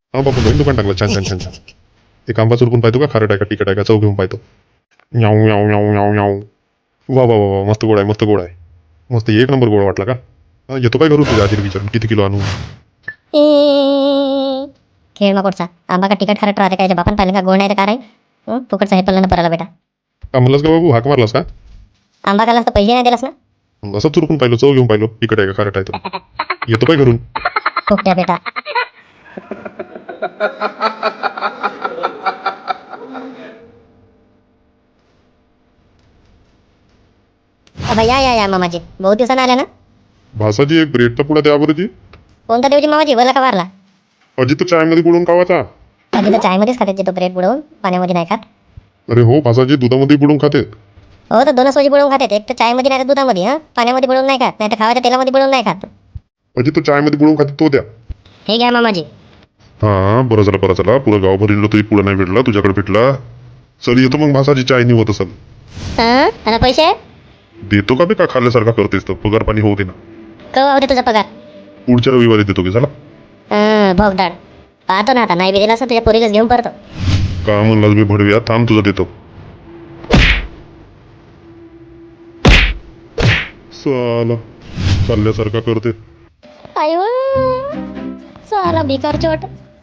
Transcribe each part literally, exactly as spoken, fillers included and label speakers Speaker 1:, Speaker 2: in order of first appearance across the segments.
Speaker 1: हा बापू नवीन दुकान टाकलं छान छान छान छान. एक आंबा चुरकून पाहतो का खारट आहे का तिखट आहे का चव घेऊन पाहतो. याऊ याऊ याऊ याऊ याऊ. वा वा वा वा, मस्त गोड आहे मस्त गोड आहे. मस्त एक नंबर गोड वाटला का. हा, येतो काय घरून तुझ्या आजीला विचारून किती किलो आणू.
Speaker 2: खेळ मग कोटचा आंबा का तिखट खारट राहते काय बापन पाहिलं का गोड नाही तर काय राहील. हं, फुकटचा हे पडलं ना पराला बेटा.
Speaker 1: का म्हणलास का बाबू हाक मारलास का.
Speaker 2: आंबा खालास तर पैसे नाही दिलास ना.
Speaker 1: असं चुरकून पाहिलं चव घेऊन पाहिलं तिखट आहे का खारट आहे तर. येतो काय घरून.
Speaker 2: फुकट्या बेटा. अबा या या या मामाजी बहुत दिवसानं आल्या ना.
Speaker 1: भासाजी एक ब्रेडचा पुडा द्या बरं जी.
Speaker 2: कोणता देऊची मामाजी वरला का वारला.
Speaker 1: अजी तर चायमध्ये बुडवून खावाचा.
Speaker 2: आधी तर चायमध्येच खाते तो ब्रेड बुडवून पाण्यामध्ये नाही खात.
Speaker 1: अरे हो भासाजी दुधामध्ये बुडवून खाते.
Speaker 2: हो तर दोनच वाजी बुडवून खाते एक तर चायमध्ये नाही तर दुधामध्ये. हां पाण्यामध्ये बुडवून नाही खात नाही तर खावाच्या तेलामध्ये बुडवून नाही खात.
Speaker 1: अजी तो चायमध्ये बुडवून खाते तो द्या.
Speaker 2: हे घ्या मामाजी.
Speaker 1: हा बरं झालं बरं झालं पुरं गाव भरलेलं तरी पुढं नाही भेटला तुझ्याकडे भेटला. चल येतो मग भासाजी चाय नाही होत असेल.
Speaker 2: हां आणि पैसे
Speaker 1: देतो का बे का खाल्ल्यासारखा करतेस तर पगार पाणी होऊ दे ना.
Speaker 2: केव्हा होते तुझा पगार.
Speaker 1: पुढच्या रविवारी देतो की झाला.
Speaker 2: हां भोगदाड पाहतो ना आता नाही बी दिला असं तुझ्या पोरीलाच घेऊन परतो.
Speaker 1: का म्हणलास बे भडव्या थांब तुझा देतो. साला चालल्यासारखा करते.
Speaker 2: आयो साला भिकार चोट.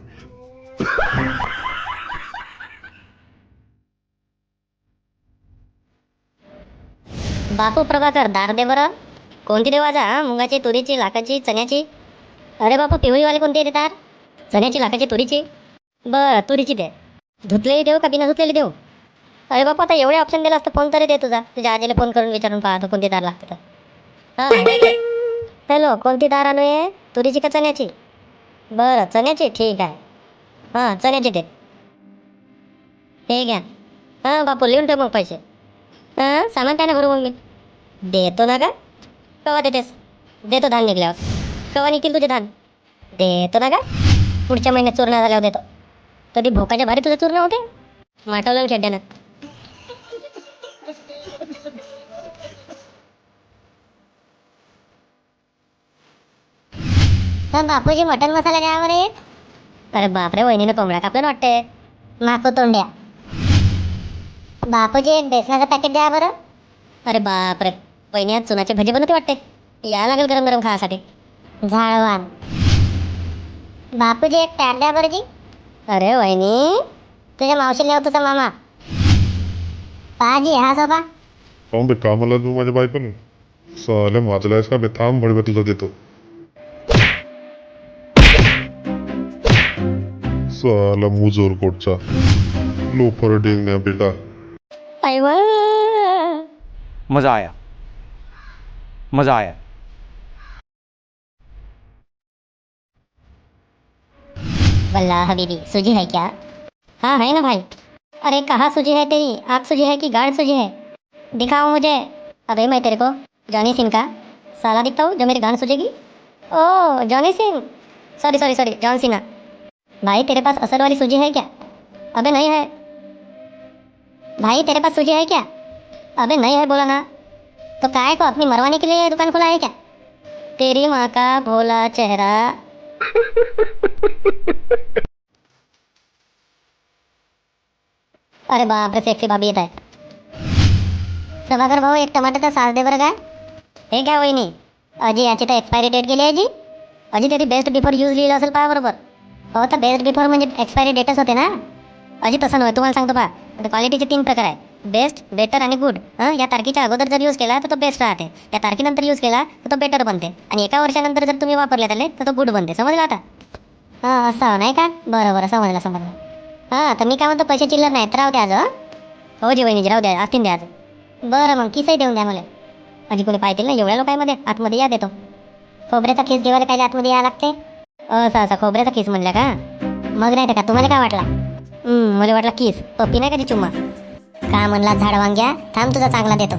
Speaker 2: बापू प्रभाकर दार दे बरं. कोणती देऊ आज हा मुगाची तुरीची लाखाची चण्याची. अरे बापू पिवळीवाली कोणती आहे दार. चण्याची लाखाची तुरीची. बरं तुरीची दे. धुतलेली देऊ का बिना धुतलेली देऊ. अरे बापू आता एवढे ऑप्शन दिला असतं फोन तरी दे तुझा तुझ्या आजीला फोन करून विचारून पाहतो कोणती दार लागते तर. हां हॅलो कोणती दार आणू आहे तुरीची का चण्याची. बरं चण्याची ठीक आहे. हां चण्याची दे. हे घ्या. हां बापू लिहून ठेव मग पैसे. हां सामान काय ना भरू मग मी. देतो ना का केव्हा देतेस. देतो धान निघल्यावर. केव्हा निघतील तुझे धान. देतो ना का पुढच्या महिन्यात चूर्ण झाल्यावर देतो. तरी भोकाच्या भारी तुझं चूर्ण होते. वाटवलं शेड्यानं. तर बापूजी मटन मसाला द्या बरे. अरे बापरे वहिनीनं कोंबड्या कापलं वाटते. माफ तोंड्या. बापूजी एक बेसनाचं पॅकेट द्या बरं. अरे बापरे वहिनी आज चुनाचे भजे बनवते वाटते. या लागेल गरम गरम खासाठी. झाळवान. बापूजी एक टॅट द्या बरं जी. अरे वहिनी तुझ्या मावशीला नेऊ तुझा मामा. पाजी हा सोबा.
Speaker 1: पाहून बे कामाला तू माझ्या बायकोने. साल्या वाचलायस का बे थांब भडव्या तुझा देतो. साला मुजोर कोटचा लोफर डेंगण्या बेटा.
Speaker 2: आयवा
Speaker 3: मज़ा आया मज़ा आया.
Speaker 2: वल्ला हबीबी सूजी है क्या. हाँ है ना भाई. अरे कहाँ सूजी है तेरी आग सूजी है कि गाढ़ सूजी है. दिखाओ मुझे. अबे मैं तेरे को जॉनी सिंह का साला दिखता हूँ जो मेरी गांड सूझेगी. Oh Johnny Singh. Sorry sorry sorry John Sinha. भाई तेरे पास असर वाली सूजी है क्या. अबे नहीं है. भाई तेरे पास सूजी है क्या. अबे नहीं है बोला ना. तो काय को अपनी मरवाने के लिए दुकान खोला है क्या. तेरी माँ का भोला चेहरा. अरे बाप रे सेक्सी भाभी येत आहे. प्रभाकर भाऊ एक टमाट्याचा सास दे बरं काय. हे घ्या वहिनी. अजी याची तर एक्सपायरी डेट गेली आहे जी. अजी त्याची बेस्ट बिफोर यूज लिहिलं असेल पहा बरोबर. हो तर बेस्ट बिफोर म्हणजे एक्सपायरी डेटच होते ना. अजी तसं नव्हे तुम्हाला सांगतो पहा. आता क्वालिटीचे तीन प्रकार आहे. बेस्ट बेटर आणि गुड. हां या तारखेच्या अगोदर जर यूज केला तर तो बेस्ट राहते. या तारखेनंतर यूज केला तर तो बेटर बनते. आणि एका वर्षानंतर जर तुम्ही वापरले त्याला तर तो गुड बनते. समजलं आता. हां असं नाही का बरं बरं समजलं समजलं. हां तर मी काय म्हणतो पैसे चिल्लर नाही तर राहू द्या आज. हो जी वहिनीजी राहू द्या असतील द्या आज. बरं मग किसही देऊन द्या मला. अजी कोणी पाहतील ना एवढ्या लोकांमध्ये आतमध्ये या देतो. खोबऱ्याचा खिस घेवायला काय आतमध्ये या लागते. असं असं खोबऱ्याचा खिस म्हणलं का. मग नाही तर का तुम्हाला काय वाटला. मला वाटला किस पप्पी नाही का ती चुम्मा. का म्हणला झाड वांग्या थांब तुझा चांगला देतो.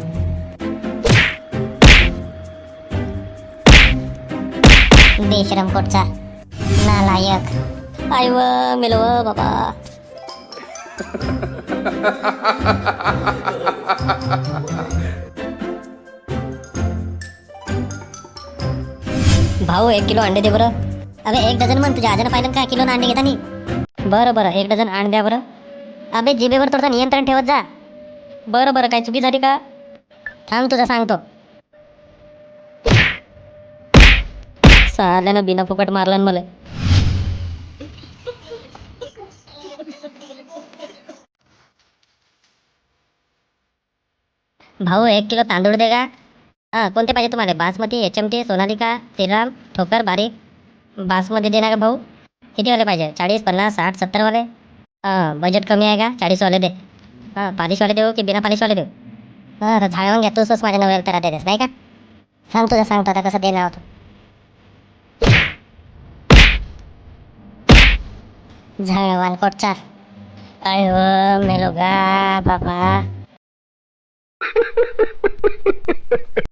Speaker 2: बेशरम कोटचा नालायक. आय व मेलो व बाबा. भाऊ एक किलो अंडे दे बरं. अबे एक डझन म्हण, तुझ्या आजानं पाहिलं का किलो अंडे घेतानी. बरं बरं एक डझन आण द्या बरं. अबे जिभेवर थोडंसं नियंत्रण ठेवत जा. बरं बरं काय चुकी झाली का? थांब तुझं सांगतो. साल्यानं बिना फुकट मारलं मला. भाऊ एक किलो तांदूळ दे का? हां कोणते पाहिजे तुम्हाला? Basmati, H M T, Sonalika, Shriram, ठोकर, बारीक. बासमती दे ना का भाऊ? कितीवाले पाहिजे? चाळीस, पन्नास, साठ, सत्तरवाले? हां बजेट कमी आहे का? चाळीसवाले दे. हां पालिशवाले देऊ की बिना पालिशवाले देऊ? हां आता झाडवून घ्या तूच माझ्या नव्याला तर देतेस नाही का? सांग तुझं सांगतो आता कसं देणार होतो. झाडवान कोटचा. आय मेलो गा बाबा.